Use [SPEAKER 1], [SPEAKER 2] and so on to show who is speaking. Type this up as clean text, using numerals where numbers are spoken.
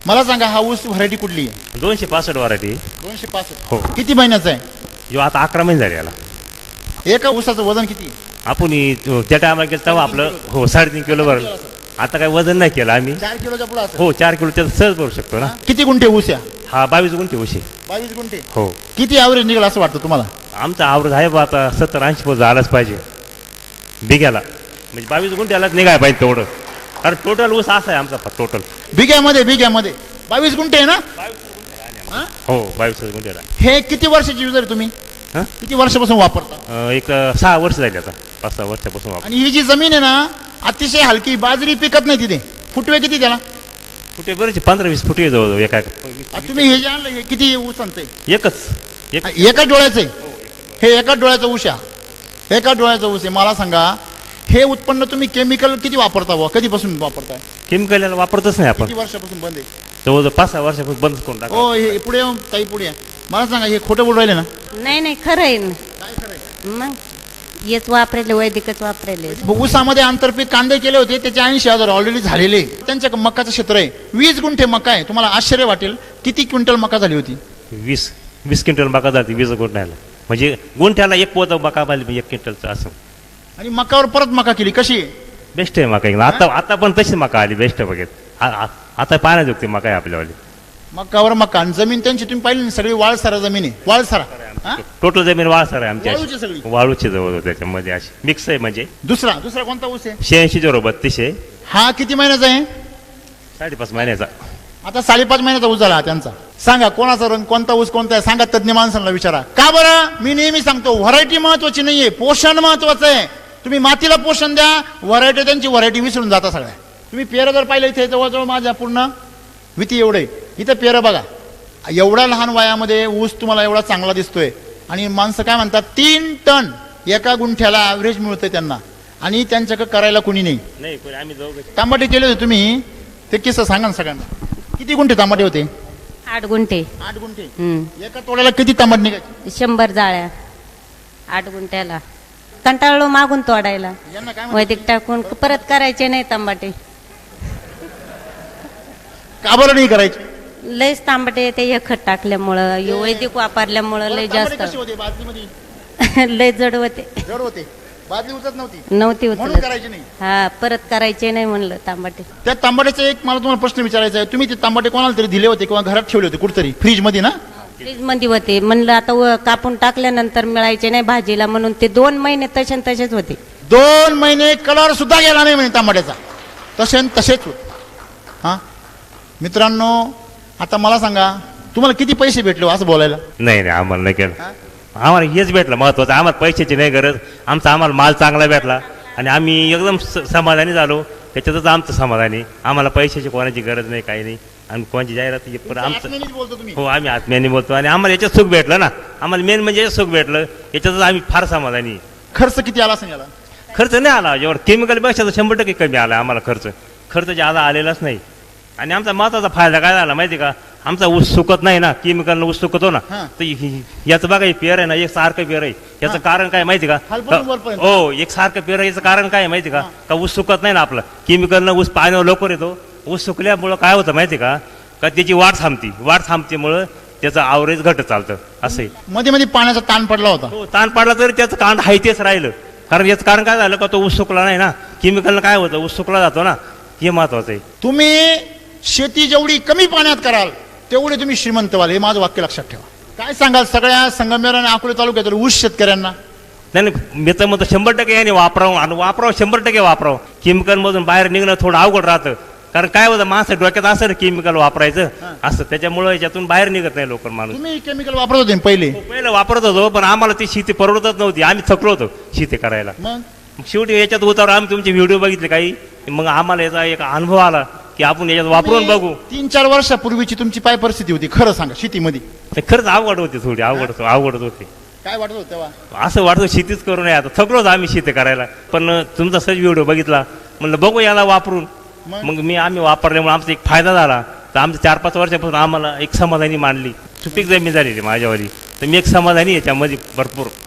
[SPEAKER 1] मला सांगा हा ऊस व्हरायटी कुठली आहे?
[SPEAKER 2] 265 व्हरायटी.
[SPEAKER 1] 265.
[SPEAKER 2] हो.
[SPEAKER 1] किती महिन्याचा आहे?
[SPEAKER 2] जो आता 11 महिने झाले याला.
[SPEAKER 1] एका ऊसाचं वजन किती?
[SPEAKER 2] आपण त्या टायमाला गेलं तेव्हा आपलं 3.5 किलो भरलं. आता काय वजन नाही केलं आम्ही.
[SPEAKER 1] 4 किलोच्या पुढे असेल.
[SPEAKER 2] 4 किलो त्याचं सहज भरू शकतो ना.
[SPEAKER 1] किती गुंठे ऊस या?
[SPEAKER 2] हा 22 गुंठे ऊस आहे.
[SPEAKER 1] 22 गुंठे.
[SPEAKER 2] हो.
[SPEAKER 1] किती ॲव्हरेज निघाला असं वाटतं तुम्हाला?
[SPEAKER 2] आमचा आवृत आहे बा आता 70-80 पोत झालाच पाहिजे बिघ्याला. म्हणजे 22 गुंठ्यालाच निघाय पाहिजे तेवढं. कारण टोटल ऊस असा आहे आमचा टोटल.
[SPEAKER 1] बिघ्यामध्ये 22 गुंठे आहे ना?
[SPEAKER 2] हो 22 गुंठ्याला.
[SPEAKER 1] हे किती वर्षाची युजर तुम्ही?
[SPEAKER 2] हां
[SPEAKER 1] किती वर्षापासून वापरता?
[SPEAKER 2] एक 6 वर्ष झाली आता. 5-6 वर्षापासून वापर.
[SPEAKER 1] आणि ही जी जमीन आहे ना अतिशय हलकी, बाजरी पिकत नाही तिथे. फुटवे किती त्याला?
[SPEAKER 2] फुटे बरेच 15-20 फुटे जवळ एका.
[SPEAKER 1] तुम्ही हे जे आणलं हे किती ऊस आणतंय?
[SPEAKER 2] एकच
[SPEAKER 1] एकाच डोळ्याचं आहे. हे एकाच डोळ्याचं ऊस आहे. एकाच डोळ्याचं ऊस आहे. मला सांगा हे उत्पन्न तुम्ही केमिकल किती वापरता बुवा? कधीपासून वापरताय?
[SPEAKER 2] केमिकल वापरतच नाही आपण.
[SPEAKER 1] किती वर्षापासून बंद आहे?
[SPEAKER 2] जवळजवळ 5-6 वर्षापासून बंद करून टाका.
[SPEAKER 1] हो हे पुढे येऊन ताई पुढे या. मला सांगा हे खोटं बोलू राहिले ना?
[SPEAKER 3] नाही खरं आहे ना.
[SPEAKER 1] काय खरंय?
[SPEAKER 3] मग हेच वापरेले, वैदिकच वापरेले.
[SPEAKER 1] ऊसामध्ये आंतरपीक कांदे केले होते त्याचे 80,000 ऑलरेडी झालेले. त्यांच्या मकाचं क्षेत्र आहे 20 गुंठे मका आहे. तुम्हाला आश्चर्य वाटेल किती क्विंटल मका झाली होती?
[SPEAKER 2] 20 क्विंटल मका जाते 20 गुंठ्याला. म्हणजे गुंठ्याला एक पोत मका पाहिजे 1 क्विंटलचं असं.
[SPEAKER 1] आणि मकावर परत मका केली. कशी आहे?
[SPEAKER 2] बेस्ट आहे मका. आता पण तशी मका आली बेस्ट आहे बघत. आता पाण्याजोगती मका आहे आपल्यावाली.
[SPEAKER 1] मकावर मका. आणि जमीन त्यांची तुम्ही पाहिली ना सगळी वाळसारा जमीन आहे. वाळसारा हा?
[SPEAKER 2] टोटल जमीन वाळसर आहे आमची
[SPEAKER 1] वाळूची सगळी?
[SPEAKER 2] वाळूची जवळ त्याच्यामध्ये अशी मिक्स आहे. म्हणजे
[SPEAKER 1] दुसरा कोणता ऊस आहे?
[SPEAKER 2] 86-32 आहे.
[SPEAKER 1] हा किती महिन्याचा आहे?
[SPEAKER 2] 5.5 महिन्याचा.
[SPEAKER 1] आता 5.5 महिन्याचा ऊस झाला हा त्यांचा. सांगा कोणाचा रंग, कोणता ऊस कोणता आहे? सांगा तज्ञ माणसांना विचारा. का बरं? मी नेहमी सांगतो व्हरायटी महत्वाची नाहीये, पोषण महत्वाचं आहे. तुम्ही मातीला पोषण द्या, व्हरायटी त्यांची व्हरायटी विसरून जाता सगळ्या. तुम्ही पेरं जर पाहिलं इथे जवळजवळ माझ्या पूर्ण विती एवढे इथं पेरं बघा. एवढ्या लहान वयामध्ये ऊस तुम्हाला एवढा चांगला दिसतोय. आणि माणसं काय म्हणतात 3 टन एका गुंठ्याला ॲव्हरेज मिळतंय त्यांना. आणि त्यांच्याकडे करायला कुणी नाही.
[SPEAKER 2] आम्ही जाऊ.
[SPEAKER 1] तांबाटे केले होते तुम्ही, ते किस्सा सांगा ना सगळ्यांना. किती गुंठे तांबाटे होते?
[SPEAKER 3] 8 गुंठे.
[SPEAKER 1] 8 गुंठे. एका तोड्याला किती तांबट निघायचे?
[SPEAKER 3] 100 जाळ्या 8 गुंठ्याला. कंटाळलो मागून तोडायला.
[SPEAKER 1] यांना काय म्हणतात?
[SPEAKER 3] वैदिक टाकून परत करायचे नाही तांबाटे.
[SPEAKER 1] का बरं नाही करायचे?
[SPEAKER 3] लयच तांबाटे ते हे खत टाकल्यामुळं, वैदिक वापरल्यामुळं लय
[SPEAKER 1] तांबटे
[SPEAKER 3] जास्त
[SPEAKER 1] कसे होते? बादलीमध्ये
[SPEAKER 3] लय जड होते.
[SPEAKER 1] जड होते. बादली उचलत नव्हती.
[SPEAKER 3] म्हणून
[SPEAKER 1] म्हणून करायचे नाही.
[SPEAKER 3] हा परत करायचे नाही म्हणलं तांबाटे.
[SPEAKER 1] त्या तांबाट्याचा एक मला तुम्हाला प्रश्न विचारायचा आहे. तुम्ही ते तांबाटे कोणाला तरी दिले होते किंवा घरात ठेवले होते कुठतरी फ्रीज मध्ये ना?
[SPEAKER 3] फ्रीज मध्ये होते. म्हणलं आता कापून टाकल्यानंतर मिळायचे नाही भाजीला म्हणून ते 2 महिने तसेच होते.
[SPEAKER 1] 2 महिने कलर सुद्धा गेला नाही म्हणे तांबाट्याचा. तसेच होत. हा मित्रांनो, आता मला सांगा तुम्हाला किती पैसे भेटले असं बोलायला?
[SPEAKER 2] नाही आम्हाला नाही केलं. आम्हाला हेच भेटलं महत्वाचं. आम्हाला पैशाची नाही गरज. आम्हाला माल चांगला भेटला आणि आम्ही एकदम समाधानी झालो. त्याच्यातच आमचं समाधानी. आम्हाला पैशाची कोणाची गरज नाही, काही नाही. आणि कोणाची जाहिरात पण आमचं
[SPEAKER 1] बोलतो तुम्ही?
[SPEAKER 2] हो आम्ही आत्म्याने बोलतो. आणि आम्हाला याच्यात सुख भेटलं ना. आम्हाला मेन म्हणजे सुख भेटलं. याच्यातच आम्ही फार समाधानी.
[SPEAKER 1] खर्च किती आला असेल याला?
[SPEAKER 2] खर्च नाही आला. जेव्हा केमिकलपेक्षा 100% कमी आला आम्हाला खर्च ज्यादा आलेलाच नाही. आणि आमचा महत्वाचा फायदा काय झाला माहिती का? आमचा ऊस सुकत नाही ना. केमिकलनं ऊस सुकतो ना. तर याचं बघा हे पेर आहे ना, एक सारखं पेर आहे. याचं कारण काय माहिती का? हो एक सारखं पेर आहे. याचं कारण काय माहिती का? ऊस सुकत नाही ना आपलं. केमिकलनं ऊस पाण्यावर लवकर येतो. ऊस सुकल्यामुळं काय होतं माहिती का त्याची वाढ थांबतीमुळं त्याचं ॲव्हरेज घटत चालतं. असं
[SPEAKER 1] मध्ये मध्ये पाण्याचा ताण पडला होता.
[SPEAKER 2] हो ताण पडला तरी त्याचं कांड हाय तेच राहिलं. कारण याचं कारण काय झालं का तो ऊस सुकला नाही ना. केमिकलनं काय होतं ऊस सुकला जातो ना. हे महत्वाचं आहे.
[SPEAKER 1] तुम्ही शेती जेवढी कमी पाण्यात कराल तेवढे तुम्ही श्रीमंत व्हाल. हे माझं वाक्य लक्षात ठेवा. काय सांगाल सगळ्या संगमेर आणि अकोले तालुक्यातील ऊस शेतकऱ्यांना?
[SPEAKER 2] नाही मी तर म्हणतो 100% याने वापरावं. आणि 100% वापरावं. केमिकलमधून बाहेर निघणं थोडं अवघड राहतं. कारण काय होतं माणसं डोक्यात असं ना केमिकल वापरायचं असं. त्याच्यामुळे याच्यातून बाहेर निघत नाही लोक माणूस.
[SPEAKER 1] तुम्ही केमिकल वापरत होते
[SPEAKER 2] पहिलं वापरत होतो. पण आम्हाला ती शेती परवडतच नव्हती. आम्ही थकलो होतो शेती करायला.
[SPEAKER 1] मग
[SPEAKER 2] शेवटी याच्यात उतार आम्ही तुमचे व्हिडिओ बघितले काही. मग आम्हाला याचा एक अनुभव आला की आपण याच्यात वापरून बघू.
[SPEAKER 1] 3-4 वर्षापूर्वीची तुमची काय परिस्थिती होती खरं सांगा शेतीमध्ये?
[SPEAKER 2] खरंच अवघड होती. थोडी अवघड होती.
[SPEAKER 1] काय वाटत होतं तेव्हा?
[SPEAKER 2] असं वाटतं शेतीच करू नये. आता थकलोच आम्ही शेती करायला. पण तुमचा सहज व्हिडिओ बघितला म्हणलं बघू याला वापरून. मग आम्ही वापरल्यामुळे आमचा एक फायदा झाला. तर आमचं 4-5 वर्षापासून आम्हाला एक समाधानी मांडली. सुपीक जमीन झालेली माझ्यावाली. तर मी एक समाधानी याच्यामध्ये भरपूर.